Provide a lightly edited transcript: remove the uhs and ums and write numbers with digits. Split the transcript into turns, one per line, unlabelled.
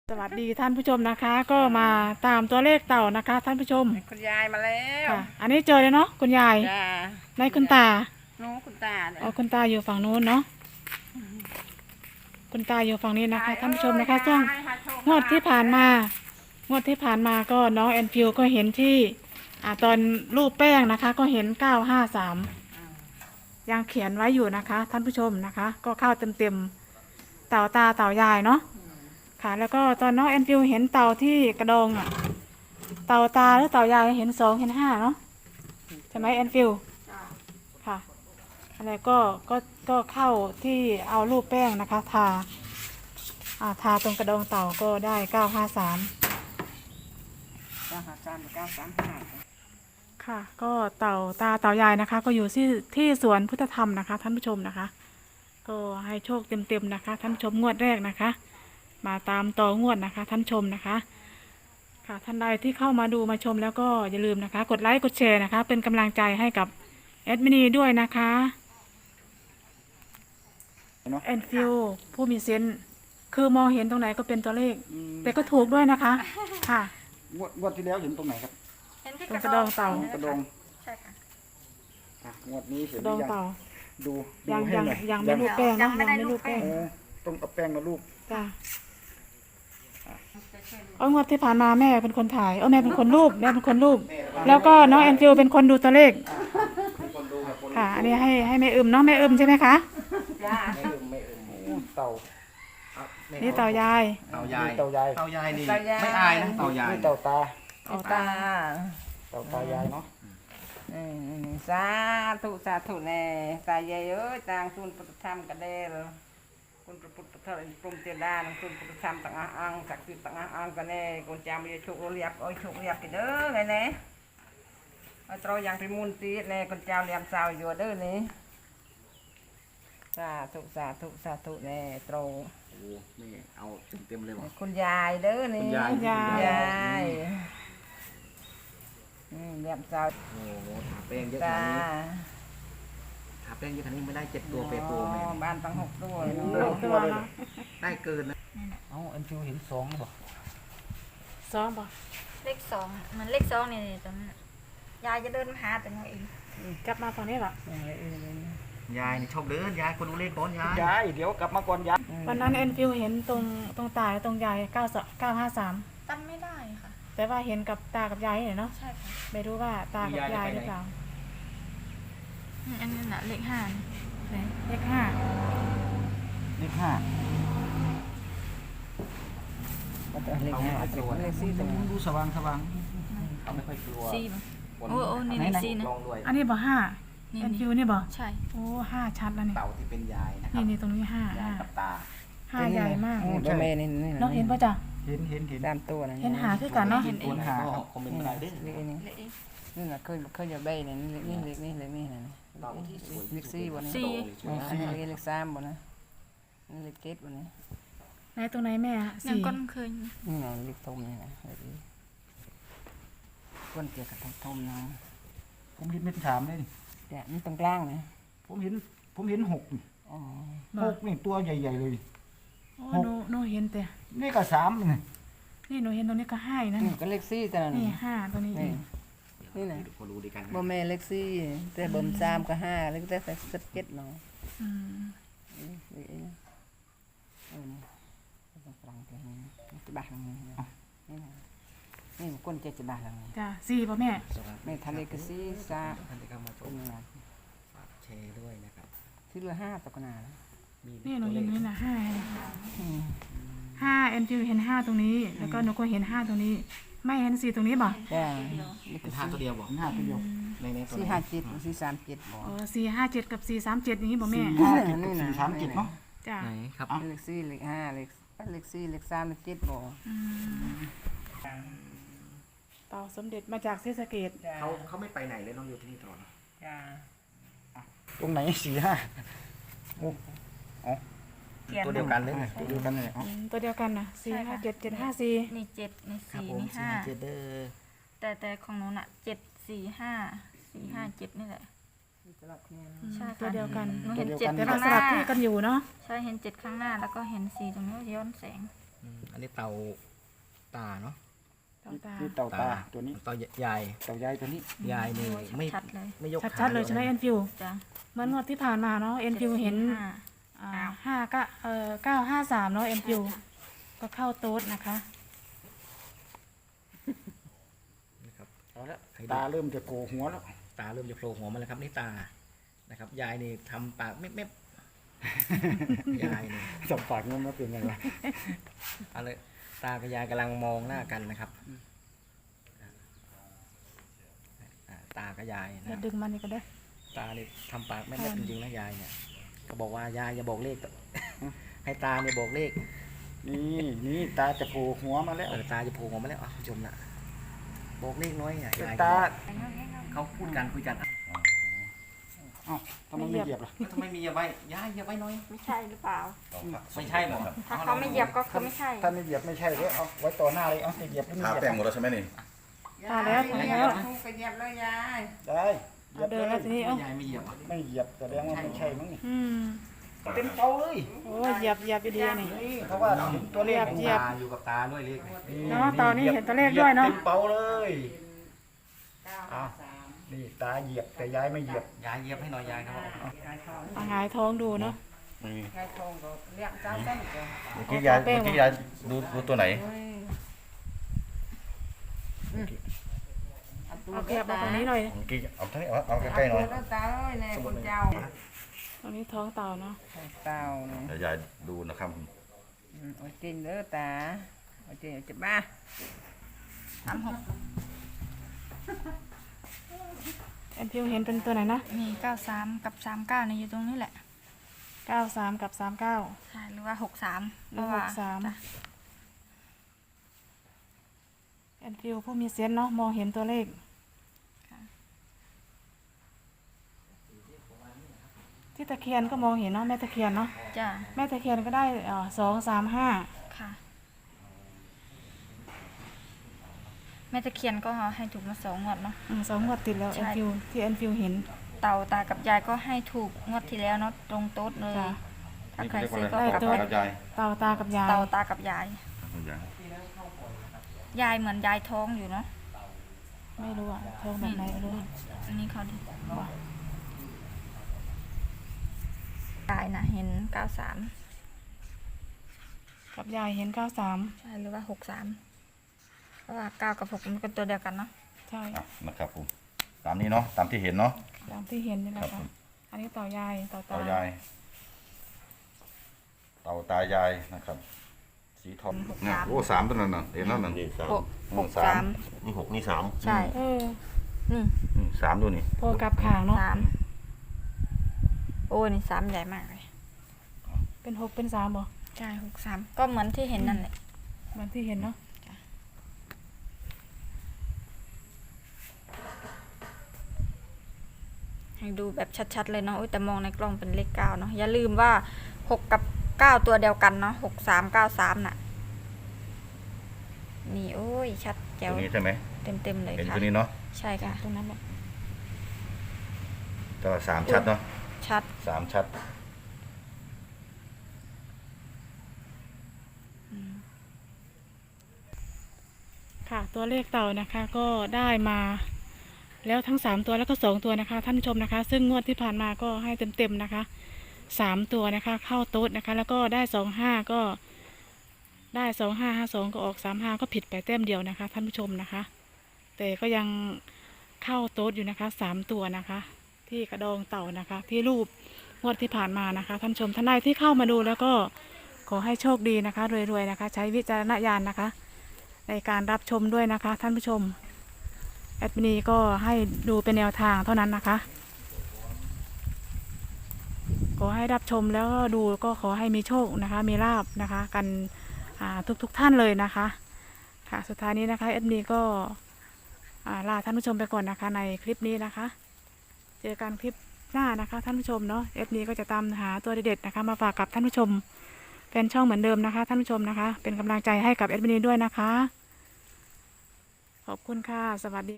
สวัสดีท่านผู้ชมนะคะก็มาตามตัวเลขเต่านะคะท่านผู้ชม
คุณยายมาแล้ว
ค่ะอันนี้เจอเลยเนาะคุณยาย
จ้า
ในคุณตา
น้องคุณตาเนี่ย
อ๋อคุณตาอยู่ฝั่งนู้นเนาะคุณตาอยู่ฝั่งนี้นะคะท่านผู้ชมนะคะช่วงงวดที่ผ่านมก็น้องแอนฟิวก็เห็นที่ตอนรูปแป้งนะคะก็เห็น953ยังเขียนไว้อยู่นะคะท่านผู้ชมนะคะก็เข้าเต็มเต่าตาเต่ายายเนาะค่ะแล้วก็ตอนน้องแอนฟิวเห็นเต่าที่กระดองเต่าตาหรือเต่ายายเห็น2เห็น5เนาะใช่ไหมแอนฟิวค่ะอะไรก็เข้าที่เอารูปแป้งนะคะทาตรงกระดองเต่าก็ได้953
953 935
ค่ะก็เต่าตาเต่ายายนะคะก็อยู่ที่สวนพุทธธรรมนะคะท่านผู้ชมนะคะก็ให้โชคเต็มๆนะคะท่านผู้ชมงวดแรกนะคะมาตามต่องวดนะคะท่านชมนะคะค่ะท่านใดที่เข้ามาดูมาชมแล้วก็อย่าลืมนะคะกดไลค์กดแชร์นะคะเป็นกำลังใจให้กับแอดมินีด้วยนะคะแอนฟิวผู้มีเซนส์คือมองเห็นตรงไหนก็เป็นตัวเลขแต่ก็ถูกด้วยนะคะค่ะ
งวดที่แล้วเห็นตรงไหนครับ
ตรงกระดองเต่าก
ระดอง
ใช่ค่ะ
งวดนี้เห็น
ก
ห
ระ
รื
ดอง
อยัง
เต่า
ดู
ยัง
ให้หน่อย
ไม่รูปแป้งนะยังไม่รูปแป้ง
ต้องเอาแป้งมาลูบ
จ้ะงวดที่ผ่านมาแม่เป็นคนถ่ายแม่เป็นคนรูปแล้วก็น้องแอนฟิวเป็นคนดูตัวเลขค่ะอันนี้ให้แม่อึมเนาะแม่อึมใช่ไหมคะ
ไม่เต่า
นี่เต่ายาย
เต่ายายนี่ไม่อายนะเต่ายายนี่เต่าตา
ตา
เต่าตายายเนาะ
สาธุแน่ตายายเอ้ยต่างทุนพุทธธรรมกันเด้อคุณพระพุทธเจ้าปรุงเจดาคุณพุทธธรรมต่างอังศักดิ์สิทธิ์ต่างอังกันแน่คุณจามีโชคเรียบโชคเรียบกันเด้อไงแน่เราอย่างพิมูลตีแน่คุณเจ้าเรียมสาวอยู่เด้อนี่สาธุแน่ตรง
โอ้นี่เอาเต็มเลยว่ะ
คุณยายเด้อนี่
คุณยาย
ยายเรียมสาว
โอ้โหทาแป้งเยอะข
จ้า
นาดนี้ทาแป้งเยอะขนาดนี้ไม่ได้7 ตัวเปโปแม่
บ้านตั้ง6 ตัว
ตัวเนาะ
ได้เกินนะอันฟิวเห็น2หรือเปล่า
สองป่ะ
เลข 2เหมือนเลข 2เนี่ยตรงนั้นยายจะเดินมาหาแต่น้องเอง
กลับมาฝั่งนี้เหรอย
ายนี่ชอบเดินยายคนดูเลขก่อนยาย
เดี๋ยวกลับมาก่อนยาย
วันนั้นแอนฟิวเห็นตรงตาตรงยาย953
จำไม่ได้ค่ะ
แต่ว่าเห็นกับตากับยายเนาะ
ใช่ค่ะ
ไม่รู้ว่าตากับยายหรือเปล่า
อันนั้นน่ะเลข5นี่
ไหนเลข5
เลข5
เลข4ตรงนี้
ดูสว่าง
เขาไม่ค่อยกลัว
4ป่ะโอ้นี่เลข4นะ
ลองด้วย
อันนี้บอก5แอนฟิวนี่บอก
ใช่
โอ้5ชัดแล้วนี่
เต่าที่เป็นยายนะครับ
นี่ตรงนี้5
ยายกับตา
5ใหญ่มาก
ตัวแม่นี่
น้องเห็นป่ะจ๊ะ
เห็น
ตามตัวนะ
เห็นหาคือกันเนาะ
ตัวหาครับคอมเมนต์มาได้
เลขนี้
เลข
นี่แหละเคยจะใบนี่เลขนี่นะ
เต่าที่สวย
เลข4บ่นี่
สี่
อันนี้เลข3บ่นะนี่เลข7บ่นี่
ไหนตรงไหนแม่
ยังก้นเคย
นี่ไงเลขทมนี่นะก้นเกี่ยวกับทมนะ
ผมเห็นเป็น3เลยนี่
เนี่ยนี่ตรงกลางนะ
ผมเห็น6นี่
อ๋อ
6นี่ตัวใหญ่ๆเลย
โอ้หนูเห็นแต่
นี่ก็3นี่
นี่หนูเห็นตรงนี้ก็5อีกนะ
นี่ก็เลข4แต่นั้น
นี่5ตรงนี้
นี่นะ
พอรู้ดีกัน
บ่แม่เลข4แต่บ่ม3ก็5เลขแต่17เนาะ
อืม
นี่ต้องฟังเพลงนี้จะบ้านี่นะนี่มันก้นเจ็ดจะบ้าแล้วนี่
จ้ะ4ป่ะแม่
ไม่ทะเลก็4
ท่านที่เข้ามาช
3
ม
นี่นะ
ฝากแชร์ด้วยนะครับ
ที่เหลือ5ตกนาแล้ว
มี
นี่หนู
ตัวเล
เห็น
ข
นี่นะ5แอนฟิวเห็น5ตรงนี้ แล้วก็หนูก็เห็น5ตรงนี้ ไม่เห็น4ตรงนี้บ่
จ้า
เป็นทางตัวเดียวบอก
5ตัวเดียว
ในตัว
4 5 7 4 3 7บ่
อ๋อ457กับ437อย่างนี้บ่แม่
นี่นะ
437เนาะ
จ้ะ
ไหนครับ
เลข4เลข5เลข4เลข3เลข7บ่
เต่าสมเด็จมาจากศรีสะเกษ
เขาไม่ไปไหนเลยน้องอยู่ที่นี่ตลอด
จ้า
ตรงไหน4 5
ตัวเดียวกันเลย
ตัวเดียวกันเลย
ตัวเดียวกันนะ457 754
นี่7นี่
ครับ
4
ผม
นี่
เจเดอร์
5แต่ของหนูน่ะ7 4 5 4 5 7นี่แหละ
สลับเนี่ย
ใช่ค่ะ
ตัวเดียวกัน
หนูเห็น7
แต่
ข้า
ว่าง ส
หน้า
ลับที่กันอยู่เนาะ
ใช่เห็น7ข้างหน้าแล้วก็เห็น4ตรงนี้ย้อนแสง
ออันนี้เต่าตาเนาะ
เต่าตา
นี่เต่าตาตัวนี้
เต่ายาย
เต่ายายตัวนี้
ยายนี่ไม่
ชัดเลย
ไม่ยก
ชัดๆเลยใช่ไหมแอนฟิว
จ้ะ
เหมื่อนงวดที่ผ่านมาเนาะแอนฟิวเห็น
ห้า
953เนาะแอนฟิวก็เข้าโต๊ดนะคะ
นะครับ
เอาละตาเริ่มจะโกหัวแล้ว
ตาเริ่มจะโผล่หัวมาแล้วครับนี่ตานะครับยายนี่ทำปากเม็บๆ ยายนี่
สับปากมันมาเป็นไงวะ
อะไรตากับยายกำลังมองหน้ากันนะครับตากับยายนะ
แล้วดึงมันนี่ก็ได้
ตานี่ทำปากแม่จริงๆนะยายเนี่ยก็บอกว่ายายอย่าบอกเลข ให้ตาเนี่ยบอกเลข
นี่ตาจะโผล่หัวมาแล้ว
ตาจะโผล่ออกมาแล้วผู้ชมนะบอกเลขน้อยอ่ะยาย
ตา
เขาพูดกันคุยกัน
เอ้าทำไมไม่เหยียบล่ะ
ทำไมมีอย่าไว้ยายอย่าไว้น้อย
ไม่ใช่หรือเปล่า
ไม่ใช่หรอ
ถ้าเขาไม่เหยียบก็คือไม่ใช่
ถ้าไม่เหยียบไม่ใช่เลยเอาไว้ต่อหน้าเลยเอาจะเหยียบหรือไม่
ทา
เหยียบ
แป้งหมดแล้วใช่ไหมนี่
ตาแล้ว
ยายถูกไปเหยียบเลยยาย
ได้เหยียบ
เดินแล้วทีนี้เอ้าย
ายไม่เหยียบอ่ะ
ไม่เหยียบแสดงว่าไม่ใช่มั้งนี่
อืม
เต็มเตาเลย
โอ้ยเหยียบดีๆนี่
นี่เพราะว่าเห็นตัวเลข
เหยียบ
ตาอยู่กับตาด้วยเลข
เนาะตอนนี้เห็นตัวเลขด้วยเนาะ
เต็มเตาเลยอ้าวนี่ตาเหยียบแต่ยายไม่เหยียบ
ยายเหยียบให้หน่อยยายครับ
ยายทอง
หงายท้องดูเนาะ
ยายทองก็เรียกเจ้าเต้นก็
เมื่อกี้ยายดูตัวไหน
เอาแคบมาตรงนี้หน่อย
เมื่อกี้เอาทั้งนี้เอาใกล้ๆหน่อย
เอาตาเอ้ยเนี่ยคุณเจ้า
ตรงนี้ท้องเต่าเนาะ
เต้าเนี่ย
เดี๋ยวยายดูนะครับ
โอ้ยจริงเด้อตาโอ้ยจริงจะบ้า
แอนฟิวเห็นเป็นตัวไหนนะ
มี93กับ39เนี่ยอยู่ตรงนี้แหละ
93กับ39
ใช่หรือว่า63
หรือ63
จ้ะ
แอนฟิวผู้มีเซนส์เนาะมองเห็นตัวเลขที่ตะเคียนก็มองเห็นเนาะแม่ตะเคียนเนาะ
จ้ะ
แม่ตะเคียนก็ได้235
ค่ะแม่ตะเคียนก็ให้ถูกมา2 งวดเนาะ
2 งวดติดแล้ว
ใช่
แอนฟิวที่แอนฟิวเห็น
เต่าตากับยายก็ให้ถูกงวดที่แล้วเนาะตรงโต๊ดเลย
จ้ะ
ถ้าใครซื้อก็
ได้
กลับ
ตัว
ไป
กับยาย
เต่าตากับยาย
เต่าตากับยาย
ยาย
ยายเหมือนยายท้องอยู่เนาะ
ไม่รู้อะท้องแบบไหนไม่รู้
อันนี้เขาดิยายน่ะเห็น93
กับยายเห็น93
ใช่หรือว่า63เพราะว่า9กับ6มันเป็นตัวเดียวกันเนาะ
ใช่
อ่ะนะครับผมตามนี้เนาะตามที่เห็นเนาะ
ตามที่เห็นนี่แหละ
ครั
ค่ะ
บ
อันนี้เต่ายายเต่าตา
เต่ายายเต่าตายายนะครับ สีทองเนี่ยโอ้สามตัวนั้นน่ะเห็นแล้วนั่น
นี่สาม
63
นี่หกนี่สาม
ใช่
เออ
นี่
สามดูนี่
โพกับขางเนาะ
3โอ้นี่3ใหญ่มากเลย
เป็น6เป็น3บ่
ใช่63ก็เหมือนที่เห็นนั่นแหละ
เหมือนที่เห็นเนาะ
ให้ดูแบบชัดๆเลยเนาะแต่มองในกล้องเป็นเลข9เนาะอย่าลืมว่า6กับ9ตัวเดียวกันเนาะ6393น่ะนี่โอ้ยชัดแจ๋
ตัว วนี้ใช่ไหม
เต็มๆเลย
เห็น
ค่ะ
ตัวนี้เนาะ
ใช่ค่ะ
ตรงนั้นแหละ
แต่ว่าสามชัดเนาะ
ชัด
สามชัด
ค่ะ ตัวเลขเต่านะคะก็ได้มาแล้วทั้ง3ตัวแล้วก็2ตัวนะคะ ท่านผู้ชมนะคะ ซึ่งงวดที่ผ่านมาก็ให้เต็มๆนะคะ3ตัวนะคะ เข้าโต๊ดนะคะ แล้วก็ได้25ก็ได้2552ก็ออก35ก็ผิดไปแต้มเดียวนะคะ ท่านผู้ชมนะคะ แต่ก็ยังเข้าโต๊ดอยู่นะคะ3ตัวนะคะ ที่กระดองเต่านะคะ ที่รูปงวดที่ผ่านมานะคะ ท่านผู้ชมท่านใดที่เข้ามาดูแล้วก็ขอให้โชคดีนะคะรวยๆนะคะ ใช้วิจารณญาณนะคะ ในการรับชมด้วยนะคะท่านผู้ชมแอดมินีก็ให้ดูเป็นแนวทางเท่านั้นนะคะขอให้รับชมแล้วก็ดูก็ขอให้มีโชคนะคะมีลาบนะคะกันทุกท่านเลยนะคะค่ะสุดท้ายนี้นะคะแอดมินีก็ลาท่านผู้ชมไปก่อนนะคะในคลิปนี้นะคะเจอกันคลิปหน้านะคะท่านผู้ชมเนาะแอดมินีก็จะตามหาตัวเด็ดๆนะคะมาฝากกับท่านผู้ชมแฟนช่องเหมือนเดิมนะคะท่านผู้ชมนะคะเป็นกำลังใจให้กับแอดมินีด้วยนะคะขอบคุณค่ะสวัสดี